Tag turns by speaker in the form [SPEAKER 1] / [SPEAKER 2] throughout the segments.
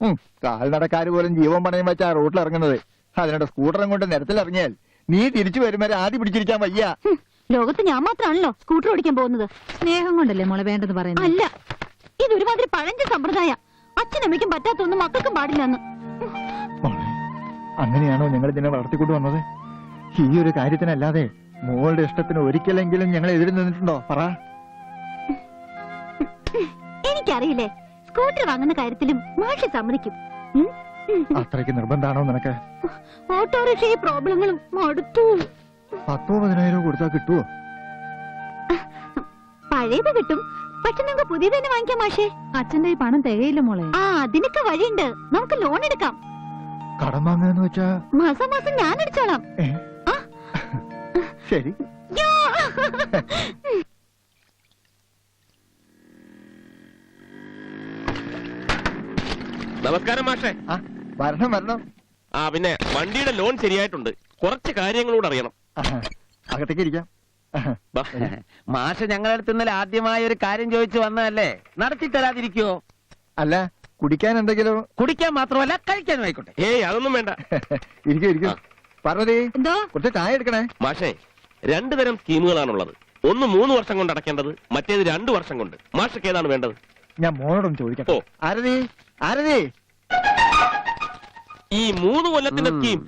[SPEAKER 1] കാൽനടക്കാര് പോലും ജീവൻ പണയം വെച്ചാ റോട്ടിൽ ഇറങ്ങുന്നത്. അതിനോട് സ്കൂട്ടറും കൊണ്ട് നിരത്തിലിറങ്ങിയാൽ നീ തിരിച്ചു വരും വരെ ആദ്യം പിടിച്ചിരിക്കാൻ വയ്യ.
[SPEAKER 2] ലോകത്ത് ഞാൻ മാത്രമാണല്ലോ സ്കൂട്ടർ ഓടിക്കാൻ പോകുന്നത്.
[SPEAKER 3] സ്നേഹം കൊണ്ടല്ലേ മോളെ വേണ്ടെന്ന് പറയുന്നത്?
[SPEAKER 2] അല്ല, ഇതൊരുമാതിരി പഴഞ്ച സമ്പ്രദായ. അച്ഛനമ്മയ്ക്കും പറ്റാത്തൊന്നും മക്കൾക്കും പാടില്ലെന്ന്.
[SPEAKER 1] അങ്ങനെയാണോ ഞങ്ങൾ ഇതിനെ വളർത്തിക്കൊണ്ട് വന്നത്? ഈ ഒരു കാര്യത്തിനല്ലാതെ മോളുടെ ഇഷ്ടത്തിന് ഒരിക്കലെങ്കിലും ഞങ്ങൾ എതിര് നിന്നിട്ടുണ്ടോ? പറ.
[SPEAKER 2] എനിക്കറിയില്ലേ, സ്കൂട്ടർ വാങ്ങുന്ന കാര്യത്തിലും മാഷി സമ്മതിക്കും.
[SPEAKER 1] അത്രയ്ക്ക് നിർബന്ധാണോ നിനക്ക്?
[SPEAKER 2] ഓട്ടോറിക്ഷ പ്രോബ്ലങ്ങളും മടുത്തു.
[SPEAKER 1] 10,000 കൊടുത്താൽ കിട്ടുവോ?
[SPEAKER 2] പഴയത് കിട്ടും, പക്ഷെ നമുക്ക് പുതിയത് തന്നെ വാങ്ങിക്കാം മാഷേ.
[SPEAKER 3] അച്ഛന്റെ ഈ പണം തികയില്ല മോളെ.
[SPEAKER 2] അതിനൊക്കെ വഴിയുണ്ട്. നമുക്ക് ലോൺ എടുക്കാം.
[SPEAKER 1] കടം വാങ്ങാന്ന് വെച്ചാ
[SPEAKER 2] മാസം മാസം ഞാൻ അടിച്ചോളാം.
[SPEAKER 1] ശരി.
[SPEAKER 4] നമസ്കാരം മാഷേ.
[SPEAKER 1] വരണം വരണം.
[SPEAKER 4] പിന്നെ വണ്ടിയുടെ ലോൺ ശരിയായിട്ടുണ്ട്. കുറച്ച് കാര്യങ്ങളൂടെ അറിയണം.
[SPEAKER 1] അകത്തേക്ക് ഇരിക്കാം.
[SPEAKER 5] മാഷ് ഞങ്ങളുടെ അടുത്ത് ഇന്നലെ ആദ്യമായ ഒരു കാര്യം ചോദിച്ചു വന്നതല്ലേ, നടത്തി തരാതിരിക്കുവോ?
[SPEAKER 1] അല്ല, കുടിക്കാൻ എന്തെങ്കിലും?
[SPEAKER 5] കുടിക്കാൻ മാത്രമല്ല കഴിക്കാനും ആയിക്കോട്ടെ.
[SPEAKER 4] അതൊന്നും വേണ്ട.
[SPEAKER 1] ഇരിക്കും ഇരിക്കും. പാർവതി, കുറച്ച് ചായ എടുക്കണേ.
[SPEAKER 4] മാഷേ, 2 തരം സ്കീമുകളാണുള്ളത്. ഒന്ന് 3 വർഷം കൊണ്ട് അടയ്ക്കേണ്ടത്, മറ്റേത് 2 വർഷം കൊണ്ട്. മാഷക്ക് ഏതാണ് വേണ്ടത്?
[SPEAKER 1] ഞാൻ മോനോടൊന്ന് ചോദിക്കാം. ആരതി ആരതി,
[SPEAKER 4] ഈ 3 കൊല്ലത്തിന്റെ സ്കീം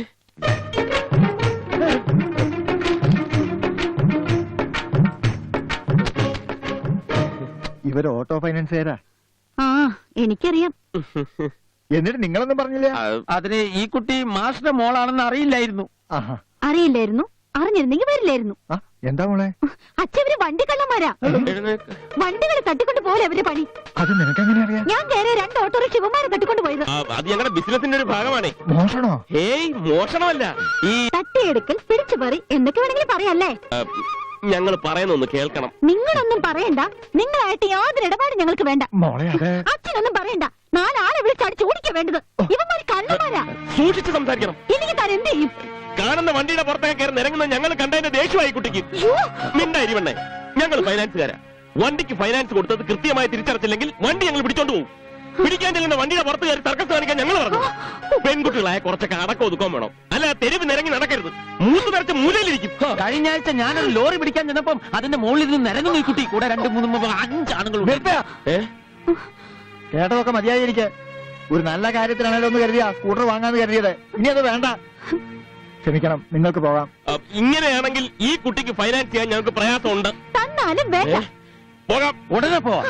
[SPEAKER 1] ഇവര് ഓട്ടോ ഫൈനാൻസുകാരാ.
[SPEAKER 2] എനിക്കറിയാം.
[SPEAKER 1] എന്നിട്ട് നിങ്ങളൊന്നും പറഞ്ഞില്ല?
[SPEAKER 5] അതിന് ഈ കുട്ടി മാഷിന്റെ മോളാണെന്ന് അറിയില്ലായിരുന്നു.
[SPEAKER 2] അറിയില്ലായിരുന്നു? അറിഞ്ഞിരുന്നെങ്കിൽ വരില്ലായിരുന്നു.
[SPEAKER 1] എന്താ മോളെ?
[SPEAKER 2] അച്ഛവര് വണ്ടി കള്ളന്മാരാ. വണ്ടികൾ തട്ടിക്കൊണ്ട് പോലെ അവര് പണി.
[SPEAKER 1] അത് നിനക്കെങ്ങനെ അറിയാം?
[SPEAKER 2] ഞാൻ കയറിയ 2 ഓട്ടോറിക്ഷ ഇവന്മാരെ തട്ടിക്കൊണ്ട് പോയത്.
[SPEAKER 4] അത് ഞങ്ങളുടെ ബിസിനസിന്റെ ഒരു ഭാഗമാണ്.
[SPEAKER 1] മോഷണോ?
[SPEAKER 4] മോഷണമല്ല, ഈ
[SPEAKER 2] തട്ടിയെടുക്കൽ, പിടിച്ചുപറി എന്നൊക്കെ വേണമെങ്കിൽ പറയാല്ലേ.
[SPEAKER 4] ഞങ്ങൾ പറയുന്നൊന്ന് കേൾക്കണം.
[SPEAKER 2] നിങ്ങളൊന്നും പറയണ്ട. നിങ്ങളായിട്ട് യാതൊരു ഇടപാടും ഞങ്ങൾക്ക് വേണ്ട.
[SPEAKER 1] മോളെ,
[SPEAKER 2] അച്ഛനൊന്നും പറയണ്ട. 4 ആളെ വിളിച്ചടിച്ച് ഓടിക്ക വേണ്ടത്. ഇവന്മാര് കള്ളന്മാരാ.
[SPEAKER 4] സൂക്ഷിച്ച് സംസാരിക്കണം.
[SPEAKER 2] എനിക്ക് താൻ എന്ത് ചെയ്യും?
[SPEAKER 4] കാണുന്ന വണ്ടിയുടെ പുറത്തേക്ക് കയറി നിരങ്ങുന്ന ഞങ്ങൾ കണ്ടതിന്റെ ദേഷ്യമായി കുട്ടിക്ക്. മിണ്ടായിരിവണ്ണേ, ഞങ്ങൾ ഫൈനാൻസുകാരാ. വണ്ടിക്ക് ഫൈനാൻസ് കൊടുത്തത് കൃത്യമായി തിരിച്ചടച്ചില്ലെങ്കിൽ വണ്ടി ഞങ്ങൾ പിടിച്ചോണ്ട് പോകും. പിടിക്കാൻ ചെല്ലുന്ന വണ്ടിയുടെ പുറത്ത് കയറി തർക്കം കാണിക്കാൻ ഞങ്ങൾ പറഞ്ഞു. പെൺകുട്ടികളായ കുറച്ചൊക്കെ അടക്കം ഒതുക്കാൻ വേണം. അല്ല, തെരുവ് നിരങ്ങി നടക്കരുത്. 3 നിറച്ച് മൂലയിലിരിക്കും.
[SPEAKER 5] കഴിഞ്ഞ ആഴ്ച ഞാനൊരു ലോറി പിടിക്കാൻ ചെന്നപ്പം അതിന്റെ മുകളിൽ നിന്ന് നിരങ്ങുന്നു ഈ കുട്ടി. കൂടെ 2, 3, 5 ആണുങ്ങളുണ്ട്.
[SPEAKER 1] കേട്ടതൊക്കെ മതിയായിരിക്കെ. ഒരു നല്ല കാര്യത്തിനാണല്ലോ ഒന്ന് കരുതിയാ സ്കൂട്ടർ വാങ്ങാന്ന് കരുതിയത്. ഇനി അത് വേണ്ട. ക്ഷമിക്കണം, നിങ്ങൾക്ക് പോകാം.
[SPEAKER 4] ഇങ്ങനെയാണെങ്കിൽ ഈ കുട്ടിക്ക് ഫൈനാൻസ് ചെയ്യാൻ ഞങ്ങൾക്ക് പ്രയാസമുണ്ട്.
[SPEAKER 2] തന്നാലും വേണ്ട.
[SPEAKER 4] പോകാം,
[SPEAKER 5] ഉടനെ പോവാം.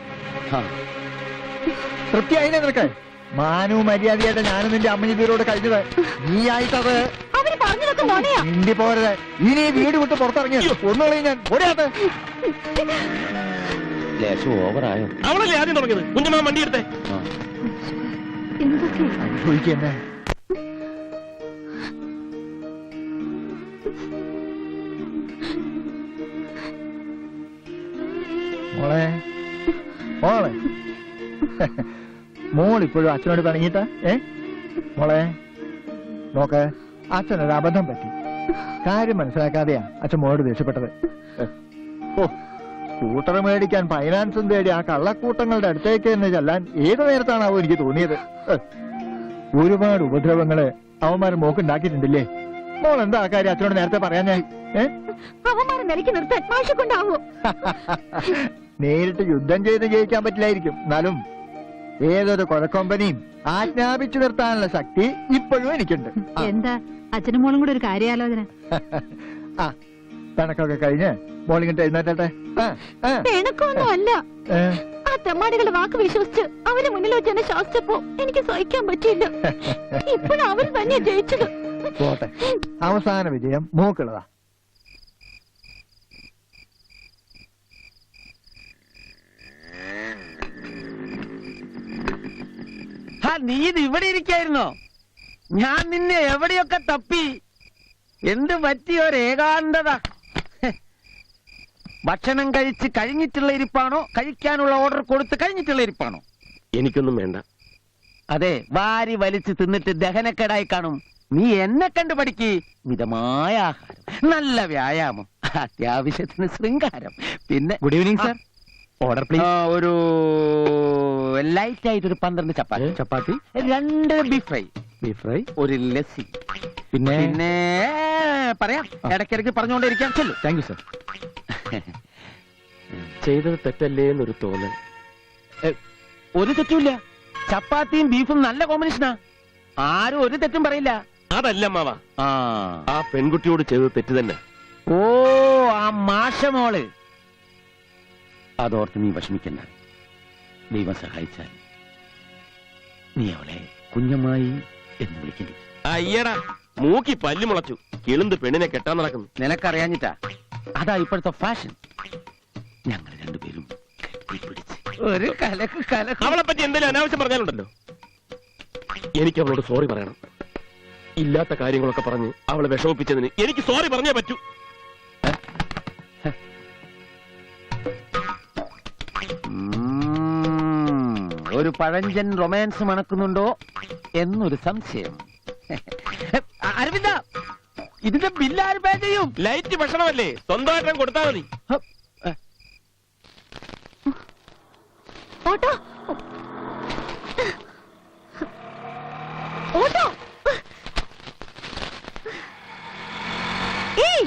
[SPEAKER 1] തൃപ്തിയായില്ലേ നിനക്ക്? മാനവും മര്യാദയായിട്ട് ഞാനും നിന്റെ അമ്മയുടെ കഴിഞ്ഞത്. നീ ആയിട്ടത്
[SPEAKER 2] അവര് പറഞ്ഞതൊക്കെ നുണയാ.
[SPEAKER 1] മിണ്ടി പോരുത്. ഇനി വീട് വിട്ട് പുറത്തിറങ്ങിയത് ഒന്നുകളി ഞാൻ ഓടിയാത്ത.
[SPEAKER 5] ഓവറായോ?
[SPEAKER 4] അവളല്ലേ ആദ്യം തുടങ്ങിയത്. കുഞ്ഞമ്മ വണ്ടി എടുത്തേ.
[SPEAKER 1] ചോദിക്കന്നെ. മോളെ മോളെ, മോളിപ്പോഴും അച്ഛനോട് പിണങ്ങിട്ട? മോളെ നോക്ക്, അച്ഛനൊരു അബദ്ധം പറ്റി. കാര്യം മനസ്സിലാക്കാതെയാ അച്ഛൻ മോളോട് ദേഷ്യപ്പെട്ടത്. സ്കൂട്ടർ മേടിക്കാൻ ഫൈനാൻസും തേടി ആ കള്ളക്കൂട്ടങ്ങളുടെ അടുത്തേക്ക് തന്നെ ചെല്ലാൻ ഏത് നേരത്താണാവോ എനിക്ക് തോന്നിയത്. ഒരുപാട് ഉപദ്രവങ്ങള് അവന്മാര് മോക്കുണ്ടാക്കിയിട്ടുണ്ടില്ലേ? മോൾ എന്താ ആ കാര്യം അച്ഛനോട് നേരത്തെ പറയാനായി?
[SPEAKER 2] അവന്മാരെ നിലയ്ക്ക് നിർത്താൻ മാഷക്കൊണ്ടാവോ?
[SPEAKER 1] നേരിട്ട് യുദ്ധം ചെയ്ത് ജയിക്കാൻ പറ്റില്ലായിരിക്കും, എന്നാലും ഏതൊരു കൊലക്കൊമ്പനെയും ആജ്ഞാപിച്ചു നിർത്താനുള്ള ശക്തി ഇപ്പോഴും എനിക്കുണ്ട്.
[SPEAKER 3] എന്താ അച്ഛനും മോളും കൂടെ ഒരു കാര്യാലോചന?
[SPEAKER 1] കണക്കൊക്കെ കഴിഞ്ഞ് മോളിങ്ങിട്ട് എഴുന്നേറ്റെ.
[SPEAKER 2] പിണക്കൊന്നും അല്ല. ആ തെമ്മാടികളുടെ വാക്ക് വിശ്വസിച്ച് അവരെ മുന്നിൽ വെച്ച് എന്നെ ശാസിച്ചപ്പോ എനിക്ക് സഹിക്കാൻ പറ്റിയില്ല. ഇപ്പോഴും അവർ തന്നെ ജയിച്ചത്.
[SPEAKER 1] പോട്ടെ, അവസാന വിജയം മോക്കുള്ളതാ.
[SPEAKER 5] നീ ഇത് ഇവിടെ ഇരിക്കായിരുന്നോ? ഞാൻ നിന്നെ എവിടെയൊക്കെ തപ്പി. എന്ത് പറ്റിയൊരു ഏകാന്തത. ഭക്ഷണം കഴിച്ച് കഴിഞ്ഞിട്ടുള്ള ഇരിപ്പാണോ, കഴിക്കാനുള്ള ഓർഡർ കൊടുത്ത് കഴിഞ്ഞിട്ടുള്ള ഇരിപ്പാണോ?
[SPEAKER 4] എനിക്കൊന്നും വേണ്ട.
[SPEAKER 5] അതെ, വാരി വലിച്ച് തിന്നിട്ട് ദഹനക്കേടായി കാണും. നീ എന്നെ കണ്ടു പഠിക്ക്. മിതമായ ആഹാരം, നല്ല വ്യായാമം, അത്യാവശ്യത്തിന് ശൃംഗാരം, പിന്നെ
[SPEAKER 1] good evening sir. Order please.
[SPEAKER 5] ഒരു ലൈറ്റ് ആയിട്ട് ഒരു 12 chapati.
[SPEAKER 1] Chapati,
[SPEAKER 5] 2 beef fry,
[SPEAKER 1] beef fry,
[SPEAKER 5] ഒരു ലസ്സി.
[SPEAKER 1] പിന്നെ
[SPEAKER 5] പിന്നെ പറയാം, ഇടയ്ക്കിടയ്ക്ക് പറഞ്ഞുകൊണ്ടിരിക്കാൻ ചെല്ലു.
[SPEAKER 1] Thank you sir.
[SPEAKER 4] ചെയ്തത് തെറ്റല്ലേ എന്നൊരു തോന്നൽ.
[SPEAKER 5] ഒരു തെറ്റുമില്ല. ചപ്പാത്തിയും ബീഫും നല്ല കോമ്പിനേഷനാ. ആരും ഒരു തെറ്റും പറയില്ല.
[SPEAKER 4] അതല്ല മാവ,
[SPEAKER 5] ആ
[SPEAKER 4] ആ പെൺകുട്ടിയോട് ചെയ്തത് തെറ്റ് തന്നെ.
[SPEAKER 5] ഓ, ആ മാഷമോള്. അതോർത്ത് നീ വിഷമിക്കണ്ട. ദൈവം സഹായിച്ചാൽ നീ അവളെ കുഞ്ഞമ്മായി എന്ന് വിളിക്കണ്ടി.
[SPEAKER 4] അയ്യടാ, മൂക്കി പല്ലു മുളച്ചു. കിളുന്ത് പെണ്ണിനെ കെട്ടാൻ നടക്കുന്നു.
[SPEAKER 5] നിനക്കറിയാഞ്ഞിട്ടാ. അതാ ഇപ്പോഴത്തെ ഫാഷൻ. ഞങ്ങൾ രണ്ടുപേരും കെട്ടിപ്പിടിച്ച് ഒരു കലക്ക്.
[SPEAKER 4] അവളെ പറ്റി എന്തെങ്കിലും അനാവശ്യം പറഞ്ഞാലുണ്ടല്ലോ, എനിക്ക് അവളോട് സോറി പറയണം. ഇല്ലാത്ത കാര്യങ്ങളൊക്കെ പറഞ്ഞ് അവളെ വിഷമിപ്പിച്ചതിന് എനിക്ക് സോറി പറഞ്ഞേ പറ്റൂ.
[SPEAKER 5] ഒരു പഴഞ്ചൻ റൊമാൻസ് മണക്കുന്നുണ്ടോ എന്നൊരു സംശയം. അരവിന്ദ, ഇതിന്റെ ബില്ല് ആര് പേ ചെയ്യും?
[SPEAKER 4] ലൈറ്റ് ഭക്ഷണമല്ലേ, സ്വന്തമായിട്ട് കൊടുത്താൽ മതി.
[SPEAKER 2] ഓട്ടോ ഓട്ടോ ഏയ്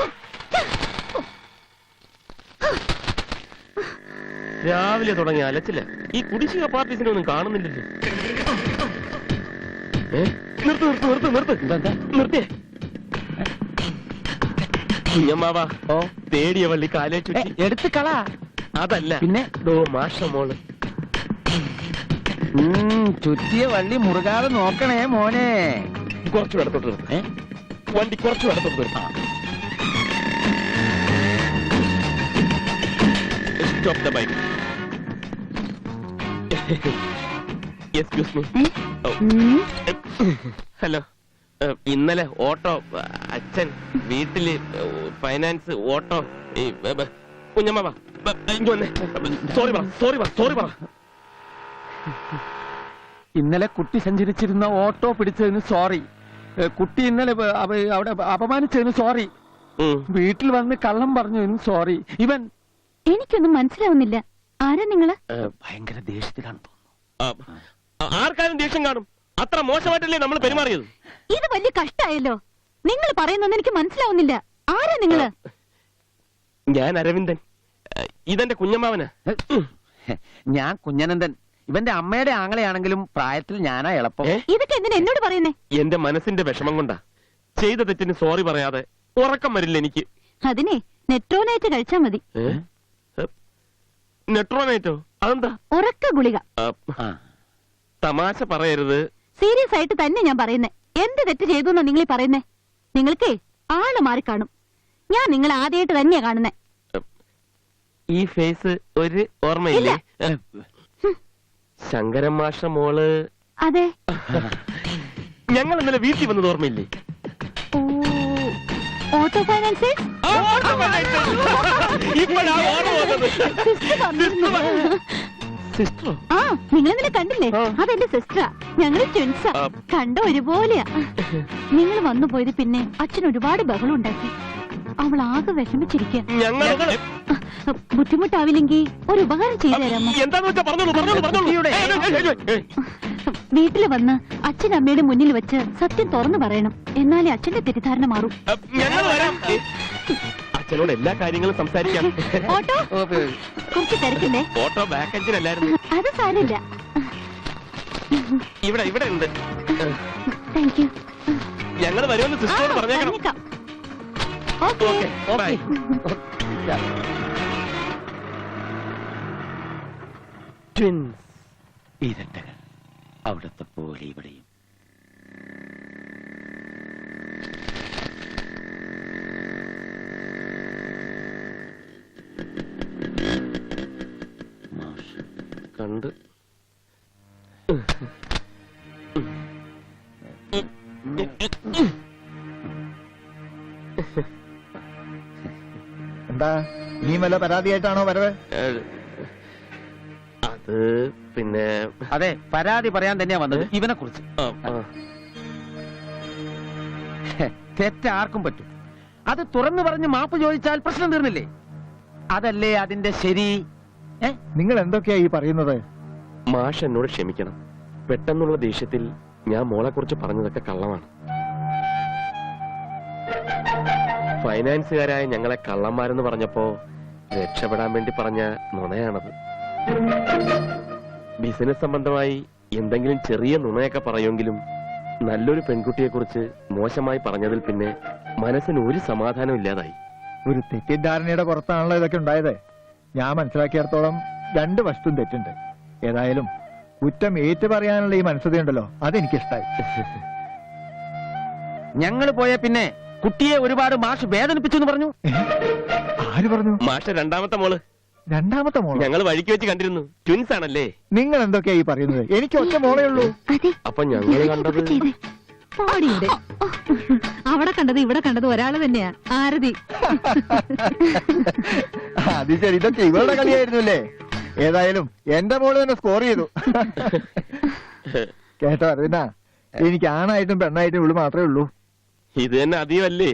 [SPEAKER 4] രാവിലെ തുടങ്ങി അലച്ചില്ല. ഈ കുടിശ്ശിക പാർട്ടീസിനെ ഒന്നും കാണുന്നില്ലല്ലോ. നിർത്തിയേ. കുഞ്ഞമ്മാവാ, തേടിയ വള്ളി കാലേ ചുറ്റി.
[SPEAKER 5] എടുത്ത് കള.
[SPEAKER 4] അതല്ല,
[SPEAKER 5] പിന്നെ
[SPEAKER 4] മാഷ മോള്.
[SPEAKER 5] ചുറ്റിയ വള്ളി മുറുകാതെ നോക്കണേ മോനെ.
[SPEAKER 4] കുറച്ചു ഇടത്തോട്ട് നിർത്ത്. വണ്ടി കുറച്ചു ഇടത്തോട്ട് നിർത്താം. Stop the bike. Excuse me. Hello, ഇന്നലെ ഓട്ടോ അച്ഛൻ വീട്ടില് ഫൈനാൻസ് ഓട്ടോ. കുഞ്ഞമ്മ സോറി പറ.
[SPEAKER 5] ഇന്നലെ കുട്ടി സഞ്ചരിച്ചിരുന്ന ഓട്ടോ പിടിച്ചതിന് സോറി. കുട്ടി ഇന്നലെ അവിടെ അപമാനിച്ചതിന് സോറി. വീട്ടിൽ വന്ന് കള്ളം പറഞ്ഞതിന് സോറി. ഇവൻ
[SPEAKER 2] എനിക്കൊന്നും മനസ്സിലാവുന്നില്ല. ആരാ നിങ്ങള്?
[SPEAKER 5] ഭയങ്കര ദേഷ്യത്തിലാണ്.
[SPEAKER 4] ആർക്കാരും ദേഷ്യം കാണും. അത്ര മോശമായിട്ടല്ലേ നമ്മൾ പെരുമാറിയത്.
[SPEAKER 2] ഇത് വലിയ കഷ്ടായല്ലോ. നിങ്ങൾ പറയുന്നൊന്നും എനിക്ക് മനസ്സിലാവുന്നില്ല. ആരാ നിങ്ങള്?
[SPEAKER 4] ഞാൻ അരവിന്ദൻ. ഇതെന്റെ കുഞ്ഞമ്മാവനാ.
[SPEAKER 5] ഞാൻ കുഞ്ഞനന്ദൻ. ഇവന്റെ അമ്മയുടെ ആങ്ങളെയാണെങ്കിലും പ്രായത്തിൽ ഞാനാ എളുപ്പം.
[SPEAKER 2] ഇതൊക്കെ എന്തിനാ എന്നോട് പറയുന്നേ?
[SPEAKER 4] എന്റെ മനസ്സിന്റെ വിഷമം കൊണ്ടാ. ചെയ്ത തെറ്റിന് സോറി പറയാതെ ഉറക്കം വരില്ല എനിക്ക്.
[SPEAKER 2] അതിനെ നെട്രോനൈറ്റ് കഴിച്ചാ മതി.
[SPEAKER 4] നെട്രോനൈറ്റോ? അതെന്താ?
[SPEAKER 2] ഉറക്ക ഗുളിക.
[SPEAKER 4] തമാശ പറയരുത്.
[SPEAKER 2] സീരിയസ് ആയിട്ട് തന്നെ ഞാൻ പറയുന്നേ. എന്ത് തെറ്റ് ചെയ്തു എന്നാ നിങ്ങൾ പറയുന്നേ? നിങ്ങൾക്കേ ആള് മാറിക്കാണും. ഞാൻ നിങ്ങളെ ആദ്യമായിട്ട് തന്നെയാ കാണുന്നേ.
[SPEAKER 4] ഈ ഫേസ് ഒരു ഓർമ്മയില്ലേ? ശങ്കരൻ മാഷ മോള്.
[SPEAKER 2] അതെ.
[SPEAKER 4] ഞങ്ങൾ ഇന്നലെ വീട്ടിൽ വന്നത് ഓർമ്മയില്ലേ?
[SPEAKER 2] Auto finance.
[SPEAKER 4] സിസ്റ്ററോ?
[SPEAKER 2] ആ, നിങ്ങൾ ഇന്നലെ കണ്ടില്ലേ? അതെന്റെ സിസ്റ്ററാ. ഞങ്ങള് ട്വിൻസാ. കണ്ട ഒരുപോലെയാ. നിങ്ങൾ വന്നു പോയത് പിന്നെ അച്ഛൻ ഒരുപാട് ബഹളം ഉണ്ടാക്കി. അവൾ ആകെ വിഷമിച്ചിരിക്കുക. ബുദ്ധിമുട്ടാവില്ലെങ്കിൽ ഒരു ഉപകാരം ചെയ്തു തരാമോ? വീട്ടില് വന്ന് അച്ഛൻ അമ്മയുടെ മുന്നിൽ വെച്ച് സത്യം തുറന്നു പറയണം. എന്നാലേ അച്ഛന്റെ തെറ്റിദ്ധാരണ മാറും.
[SPEAKER 4] അച്ഛനോട് എല്ലാ കാര്യങ്ങളും സംസാരിക്കാം.
[SPEAKER 2] ഓട്ടോ കുറച്ച് തിരക്കില്ലേ?
[SPEAKER 4] Auto back എഞ്ചിനല്ലായിരുന്നു.
[SPEAKER 2] അത് സാരമില്ല.
[SPEAKER 4] ഇവിടെ ഉണ്ട്.
[SPEAKER 2] Thank you.
[SPEAKER 4] ഞങ്ങൾ വരുമെന്ന് സിസ്റ്ററോട് പറഞ്ഞേക്കാം.
[SPEAKER 2] ഓക്കെ.
[SPEAKER 4] ബൈ.
[SPEAKER 5] ട്വിൻസ് ഇരട്ടകൾ. അവിടത്തെ പോലെ ഇവിടെയും.
[SPEAKER 4] കണ്ട്
[SPEAKER 1] എന്താ നീ വല്ല പരാതിയായിട്ടാണോ വരവ്?
[SPEAKER 4] അത് പിന്നെ
[SPEAKER 5] അതെ, പരാതി പറയാൻ തന്നെയാ വന്നത് ഇവനെ കുറിച്ച്. തെറ്റാർക്കും പറ്റും. അത് തുറന്നു പറഞ്ഞ് മാപ്പ് ചോദിച്ചാൽ പ്രശ്നം തീർന്നില്ലേ? അതല്ലേ അതിന്റെ ശരി.
[SPEAKER 1] നിങ്ങൾ എന്തൊക്കെയാ ഈ പറയുന്നത്?
[SPEAKER 4] മാഷ് എന്നോട് ക്ഷമിക്കണം. പെട്ടെന്നുള്ള ദേഷ്യത്തിൽ ഞാൻ മോളെ കുറിച്ച് പറഞ്ഞതൊക്കെ കള്ളമാണ്. ഫൈനാൻസുകാരായ ഞങ്ങളെ കള്ളന്മാരെന്ന് പറഞ്ഞപ്പോ രക്ഷപ്പെടാൻ വേണ്ടി പറഞ്ഞ നുണയാണത്. ബിസിനസ് സംബന്ധമായി എന്തെങ്കിലും ചെറിയ നുണയൊക്കെ പറയുമെങ്കിലും നല്ലൊരു പെൺകുട്ടിയെ കുറിച്ച് മോശമായി പറഞ്ഞതിൽ പിന്നെ മനസ്സിന് ഒരു സമാധാനം ഇല്ലാതായി.
[SPEAKER 1] ഒരു തെറ്റിദ്ധാരണയുടെ പുറത്താണല്ലോ ഇതൊക്കെ ഉണ്ടായത്. ഞാൻ മനസ്സിലാക്കിയിടത്തോളം രണ്ട് വശത്തും തെറ്റുണ്ട്. ഏതായാലും കുറ്റം ഏറ്റു പറയാനുള്ള ഈ മനസ്സതയുണ്ടല്ലോ, അതെനിക്കിഷ്ടായി.
[SPEAKER 5] ഞങ്ങൾ പോയ പിന്നെ കുട്ടിയെ ഒരുപാട് മാഷ് വേദനിപ്പിച്ചു എന്ന് പറഞ്ഞു.
[SPEAKER 1] ആര് പറഞ്ഞു?
[SPEAKER 4] മാഷ രണ്ടാമത്തെ മോള്.
[SPEAKER 1] രണ്ടാമത്തെ മോള്?
[SPEAKER 4] ഞങ്ങൾ വഴിക്ക് വെച്ച് കണ്ടിരുന്നു. ട്വിൻസ് ആണല്ലേ?
[SPEAKER 1] നിങ്ങൾ എന്തൊക്കെയാ ഈ പറയുന്നത്? എനിക്ക് ഒറ്റ മോളേ ഉള്ളൂ.
[SPEAKER 2] അതെ,
[SPEAKER 4] അപ്പൊ ഞങ്ങൾ കണ്ടത്
[SPEAKER 2] ചെയ്തേ.
[SPEAKER 3] പാടിയുണ്ട്. അവിടെ കണ്ടത് ഇവിടെ കണ്ടത് ഒരാള് തന്നെയാ, ആരതി.
[SPEAKER 1] അത് ശരി, ഇതൊക്കെ ഇവളുടെ കളിയായിരുന്നു അല്ലേ? ഏതായാലും എന്റെ മോള് തന്നെ സ്കോർ ചെയ്തു. കേട്ടോ അരവിന്ദ, എനിക്ക് ആണായിട്ടും പെണ്ണായിട്ടും ഇവള് മാത്രമേ ഉള്ളൂ.
[SPEAKER 4] ഇത് തന്നെ അധികമല്ലേ?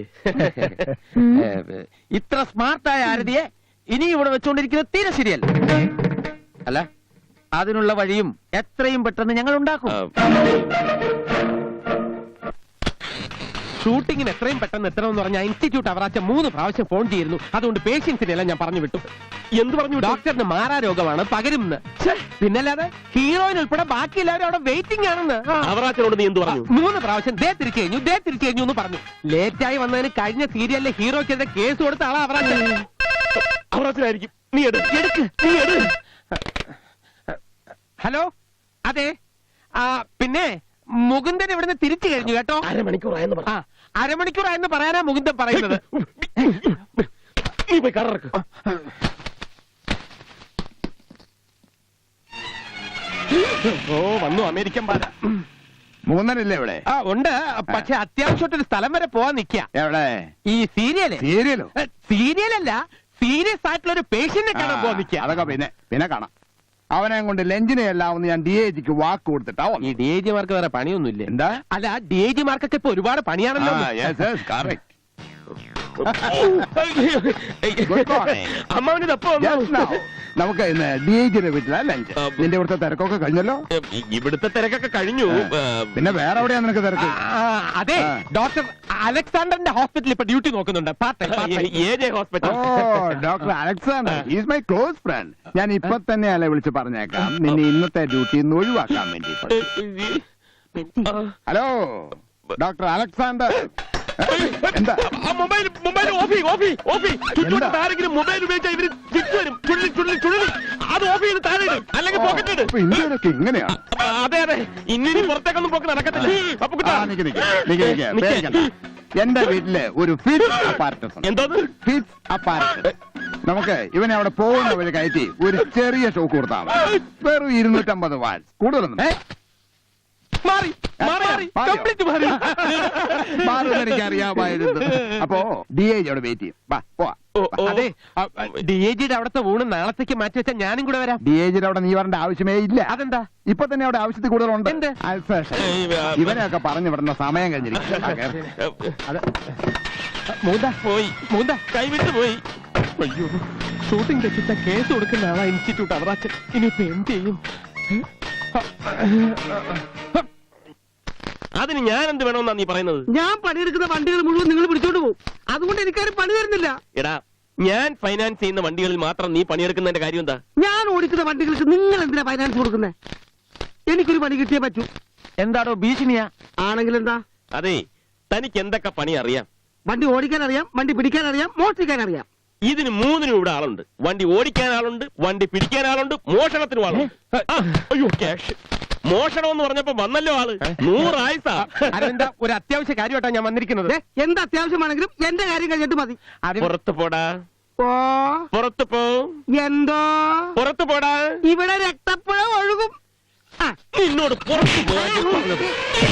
[SPEAKER 5] ഇത്ര സ്മാർട്ടായ ആരതിയെ ഇനി ഇവിടെ വെച്ചുകൊണ്ടിരിക്കുന്നത് തീരെ ശരിയല്ല. അല്ല, അതിനുള്ള വഴിയും എത്രയും പെട്ടെന്ന് ഞങ്ങൾ ഉണ്ടാക്കും. ഷൂട്ടിങ്ങിന് എത്രയും പെട്ടെന്ന് എത്തണമെന്ന് പറഞ്ഞ ഇൻസ്റ്റിറ്റ്യൂട്ട് അവറാച്ച 3 പ്രാവശ്യം ഫോൺ ചെയ്തിരുന്നു. അതുകൊണ്ട് പേഷ്യൻസിനെല്ലാം ഞാൻ പറഞ്ഞു വിട്ടു.
[SPEAKER 4] എന്ത് പറഞ്ഞു?
[SPEAKER 5] ഡോക്ടറിന് മാറാരോഗമാണ്, പകരുമെന്ന്. പിന്നല്ലാതെ ഹീറോയിൻ ഉൾപ്പെടെ ബാക്കി എല്ലാവരും അവിടെ വെയിറ്റിംഗ് ആണെന്ന്.
[SPEAKER 4] അവറാച്ചനോട് നീ എന്ത് പറഞ്ഞു?
[SPEAKER 5] 3 പ്രാവശ്യം ദേ തിരിച്ചു കഴിഞ്ഞു എന്ന് പറഞ്ഞു. ലേറ്റായി വന്നതിന് കഴിഞ്ഞ സീരിയലിലെ ഹീറോയ്ക്കെതിരെ കേസ് കൊടുത്ത ആളാ അവറാച്ചൻ.
[SPEAKER 4] അവറാച്ചനായിരിക്കും. നീ എടുക്ക്.
[SPEAKER 5] ഹലോ, അതെ. പിന്നെ മുകുന്ദൻ ഇവിടുന്ന് തിരിച്ചു കഴിഞ്ഞു കേട്ടോ.
[SPEAKER 4] അരമണിക്കൂറായെന്ന് പറ.
[SPEAKER 5] അരമണിക്കൂറായെന്ന് പറയാനാ മുകുന്ദൻ പറയുന്നത്.
[SPEAKER 4] നീ പോയി കറക്ക്. ഓ, വന്നു അമേരിക്കൻ പാല.
[SPEAKER 6] മൂന്നനല്ലേ ഇവിടെ?
[SPEAKER 5] ഉണ്ട്, പക്ഷെ അത്യാവശ്യമായിട്ടൊരു സ്ഥലം വരെ പോവാൻ നിൽക്കുക.
[SPEAKER 6] എവിടെ?
[SPEAKER 5] ഈ സീരിയലോ? സീരിയലല്ല, സീരിയസ് ആയിട്ടുള്ള ഒരു പേഷ്യന്റിനെ കാണാൻ പോവാൻ നിൽക്കുക.
[SPEAKER 6] അതൊക്കെ പിന്നെ കാണാം. അവനെ കൊണ്ട് ലഞ്ചിനെ എല്ലാവുന്ന ഞാൻ DAGക്ക് വാക്ക് കൊടുത്തിട്ടാ.
[SPEAKER 5] ഈ DAG മാർക്ക് വേറെ പണിയൊന്നുമില്ലേ?
[SPEAKER 6] എന്താ?
[SPEAKER 5] അല്ല, DAG മാർക്കൊക്കെ ഇപ്പൊ ഒരുപാട് പണിയാണല്ലോ.
[SPEAKER 6] നമുക്ക് ഇന്ന് DAGയുടെ വീട്ടിലാ ലഞ്ച്. നിന്റെ ഇവിടുത്തെ തിരക്കൊക്കെ കഴിഞ്ഞല്ലോ?
[SPEAKER 4] ഇവിടുത്തെ തിരക്കൊക്കെ കഴിഞ്ഞു.
[SPEAKER 6] പിന്നെ വേറെ എവിടെയാ നിനക്ക് തിരക്ക്?
[SPEAKER 5] അതെ, ഡോക്ടർ അലക്സാണ്ടറിന്റെ ഹോസ്പിറ്റലിൽ ഇപ്പൊ ഡ്യൂട്ടി നോക്കുന്നുണ്ട്.
[SPEAKER 4] Hospital.
[SPEAKER 6] Doctor Alexander is my close friend. ഞാൻ ഇപ്പൊ തന്നെ അല്ലെ വിളിച്ച് പറഞ്ഞേക്കാം നിന്നെ ഇന്നത്തെ ഡ്യൂട്ടിയിൽ നിന്ന് ഒഴിവാക്കാൻ വേണ്ടി. ഹലോ ഡോക്ടർ അലക്സാണ്ടർ, എന്താ
[SPEAKER 4] മൊബൈൽ ആരെങ്കിലും മൊബൈൽ ഉപയോഗിച്ചാൽ ഇവര് തിരിച്ചു വരും. ചുഴലി അത് ഓഫ് ചെയ്ത് താഴെ ഇടും, അല്ലെങ്കിൽ പോക്കറ്റ്.
[SPEAKER 6] ഇന്ത്യയിലൊക്കെ ഇങ്ങനെയാണ്.
[SPEAKER 4] അതെ, ഇനി പുറത്തേക്കൊന്നും പോക്ക് നടക്കത്തില്ല.
[SPEAKER 6] എന്റെ വീട്ടില് ഒരു ഫിറ്റ്സ് അപ്പാരറ്റസ്.
[SPEAKER 4] എന്തോന്ന്
[SPEAKER 6] ഫിറ്റ്സ് അപ്പാരറ്റസ്? നമുക്ക് ഇവനെ അവിടെ പോകുന്ന വഴി കയറ്റി ഒരു ചെറിയ ഷോക്ക് കൊടുത്താൽ മതി. വെറും 250 വാട്ട്സ്, കൂടുതലൊന്നും. എനിക്കറിയാമായിരുന്നു. അപ്പോ DAG അവിടെ വെയിറ്റ് ചെയ്യും.
[SPEAKER 5] അതെ, DAGയുടെ അവിടുത്തെ ഊണ് നാളത്തേക്ക് മാറ്റി വെച്ചാൽ ഞാനും കൂടെ വരാം.
[SPEAKER 6] DAGയുടെ അവിടെ നീ വരേണ്ട ആവശ്യമേ ഇല്ല.
[SPEAKER 5] അതെന്താ?
[SPEAKER 6] ഇപ്പൊ തന്നെ അവിടെ ആവശ്യത്തിൽ കൂടുതലുണ്ട്.
[SPEAKER 5] എന്ത്?
[SPEAKER 6] ഇവനെയൊക്കെ പറഞ്ഞു വിടുന്ന സമയം കഴിഞ്ഞിരിക്കും.
[SPEAKER 4] കൈവിട്ട് പോയി.
[SPEAKER 5] അയ്യോ, ഷൂട്ടിംഗ് തെറ്റിച്ച കേസ് കൊടുക്കുന്ന ആളാ ഇൻസ്റ്റിറ്റ്യൂട്ട് അവറാച്ചൻ. ഇനിയിപ്പോ എന്ത് ചെയ്യും?
[SPEAKER 4] അതിന് ഞാൻ എന്ത് വേണമെന്നാ നീ പറയുന്നത്?
[SPEAKER 5] ഞാൻ പണിയെടുക്കുന്ന വണ്ടികൾ മുഴുവൻ നിങ്ങൾ പിടിച്ചോണ്ട് പോകും. അതുകൊണ്ട് എനിക്കാരും പണി തരുന്നില്ല.
[SPEAKER 4] എടാ, ഞാൻ ഫൈനാൻസ് ചെയ്യുന്ന വണ്ടികളിൽ മാത്രം നീ പണിയെടുക്കുന്നതിന്റെ കാര്യം എന്താ?
[SPEAKER 5] ഞാൻ ഓടിക്കുന്ന വണ്ടികൾക്ക് നിങ്ങൾ എന്തിനാ ഫൈനാൻസ് കൊടുക്കുന്നത്? എനിക്കൊരു പണി കിട്ടിയേ പറ്റൂ. എന്താണോ ഭീഷണിയാ? ആണെങ്കിൽ എന്താ?
[SPEAKER 4] അതെ, തനിക്ക് എന്തൊക്കെ പണി അറിയാം?
[SPEAKER 5] വണ്ടി ഓടിക്കാൻ അറിയാം, വണ്ടി പിടിക്കാൻ അറിയാം, മോഷ്ടിക്കാൻ അറിയാം.
[SPEAKER 4] ഇതിന് 3നും ഇവിടെ ആളുണ്ട്. വണ്ടി ഓടിക്കാൻ ആളുണ്ട്, വണ്ടി പിടിക്കാൻ ആളുണ്ട്, മോഷണത്തിനും ആളുണ്ട്. അയ്യോ, ക്യാഷ്. മോഷണം എന്ന് പറഞ്ഞപ്പോ വന്നല്ലോ ആള്. 100 ആയുസാ.
[SPEAKER 5] അതെന്താ, ഒരു അത്യാവശ്യ കാര്യമായിട്ടാണ് ഞാൻ വന്നിരിക്കുന്നത്. എന്ത് അത്യാവശ്യമാണെങ്കിലും എന്റെ കാര്യം കഴിഞ്ഞിട്ട് മതി.
[SPEAKER 4] പുറത്ത് പോടാ. പുറത്ത് പോ.
[SPEAKER 5] എന്തോ
[SPEAKER 4] പുറത്ത് പോടാ.
[SPEAKER 5] ഇവിടെ രക്തപ്പുഴ ഒഴുകും.
[SPEAKER 4] നിന്നോട് പുറത്ത് പോകാൻ പറഞ്ഞത്.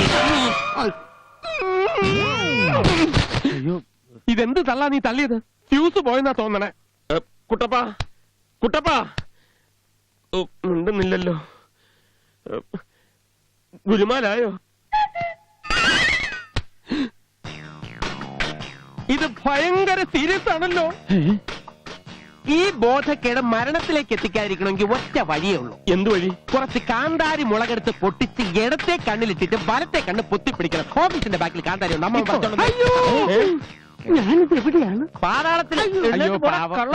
[SPEAKER 5] ഇതെന്ത് തള്ളാ നീ തള്ളിയത്? ഫ്യൂസ് പോയെന്നാ തോന്നണേ.
[SPEAKER 4] കുട്ടപ്പാ ഉണ്ടെന്നില്ലല്ലോ. ഗുരുമാലായോ?
[SPEAKER 5] ഇത് ഭയങ്കര സീരിയസ് ആണല്ലോ. ഈ ബോധക്കേട് മരണത്തിലേക്ക് എത്തിക്കാതിരിക്കണമെങ്കിൽ ഒറ്റ വഴിയേ ഉള്ളൂ.
[SPEAKER 4] എന്ത് വഴി?
[SPEAKER 5] കുറച്ച് കാന്താരി മുളകെടുത്ത് പൊട്ടിച്ച് ഇടത്തെ കണ്ണിലിട്ടിട്ട് വലത്തെ കണ്ണ് പൊത്തിപ്പിടിക്കണം. ഓഫീസിന്റെ ബാക്കിൽ കാന്താരി ഉണ്ട്. അമ്മ പറഞ്ഞോളൂ.
[SPEAKER 3] ഞാനിത് എവിടെയാണ്
[SPEAKER 5] പാതാളത്തിൽ. അയ്യോ, പാവം.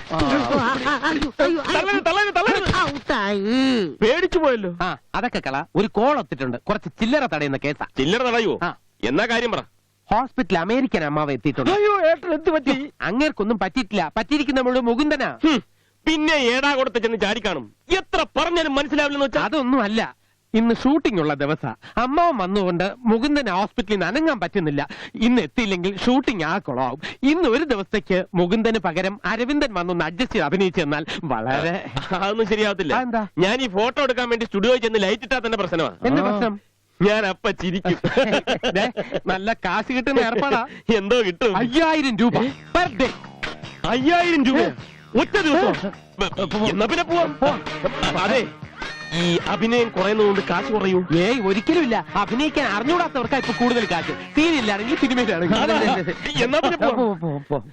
[SPEAKER 4] പേടിച്ചു പോയല്ലോ.
[SPEAKER 5] ആ, അതൊക്കെ കള. ഒരു കോൾ ഒത്തിട്ടുണ്ട്. കുറച്ച് ചില്ലറ തടയുന്ന കേസാ.
[SPEAKER 4] ചില്ലറ തടയുവോ?
[SPEAKER 5] ആ.
[SPEAKER 4] എന്നാ കാര്യം പറ.
[SPEAKER 5] ഹോസ്പിറ്റൽ അമേരിക്കൻ അമ്മാവ് എത്തിയിട്ടുണ്ട്.
[SPEAKER 1] അയ്യോ ഏട്ടൻ എന്ത് പറ്റി?
[SPEAKER 5] അങ്ങേർക്കൊന്നും പറ്റിയിട്ടില്ല. പറ്റിയിരിക്കുന്ന നമ്മുടെ മുകുന്ദനാ.
[SPEAKER 4] പിന്നെ ഏടാ കൊടുത്ത് ചെന്ന് ചാടിക്കാണും. എത്ര പറഞ്ഞാലും മനസ്സിലാവില്ലെന്ന് വെച്ചാൽ
[SPEAKER 5] അതൊന്നും അല്ല. ഇന്ന് ഷൂട്ടിംഗ് ഉള്ള ദിവസം അമ്മാവൻ വന്നുകൊണ്ട് മുകുന്ദൻ ഹോസ്പിറ്റലിൽ നിന്ന് അനങ്ങാൻ പറ്റുന്നില്ല. ഇന്ന് എത്തിയില്ലെങ്കിൽ ഷൂട്ടിംഗ് ആ കുളമാവും. ഇന്ന് ഒരു ദിവസത്തേക്ക് മുകുന്ദന് പകരം അരവിന്ദൻ വന്നൊന്ന് അഡ്ജസ്റ്റ് ചെയ്ത് അഭിനയിച്ചു തന്നാൽ വളരെ.
[SPEAKER 4] അതൊന്നും ശരിയാവത്തില്ല.
[SPEAKER 5] അതെന്താ?
[SPEAKER 4] ഞാൻ ഈ ഫോട്ടോ എടുക്കാൻ വേണ്ടി സ്റ്റുഡിയോയിൽ ചെന്ന് ലൈറ്റ് ഇട്ടാ തന്നെ പ്രശ്നമാണ്.
[SPEAKER 5] എന്റെ പ്രശ്നം.
[SPEAKER 4] ഞാൻ അപ്പ ചിരിക്കും.
[SPEAKER 5] ദേ, നല്ല കാശ് കിട്ടുന്ന ഏർപ്പാടാ.
[SPEAKER 4] എന്തോ കിട്ടും.
[SPEAKER 5] 5000 രൂപ പെർ ഡേ.
[SPEAKER 4] 5000 രൂപ ഒറ്റ ദിവസം. എന്നാ പിന്നെ പോവാം. അതെ, ഈ അഭിനയം കുറയുന്നതുകൊണ്ട് കാശ് കുറയൂ?
[SPEAKER 5] ഏയ്, ഒരിക്കലും ഇല്ല. അഭിനയിക്കാൻ അറിഞ്ഞൂടാത്തവർക്കാ ഇപ്പൊ കൂടുതൽ കാശ്. സീരിയലാണെങ്കിൽ സിനിമയിലാണെങ്കിൽ.
[SPEAKER 4] എന്നാ പിന്നെ പോവാം.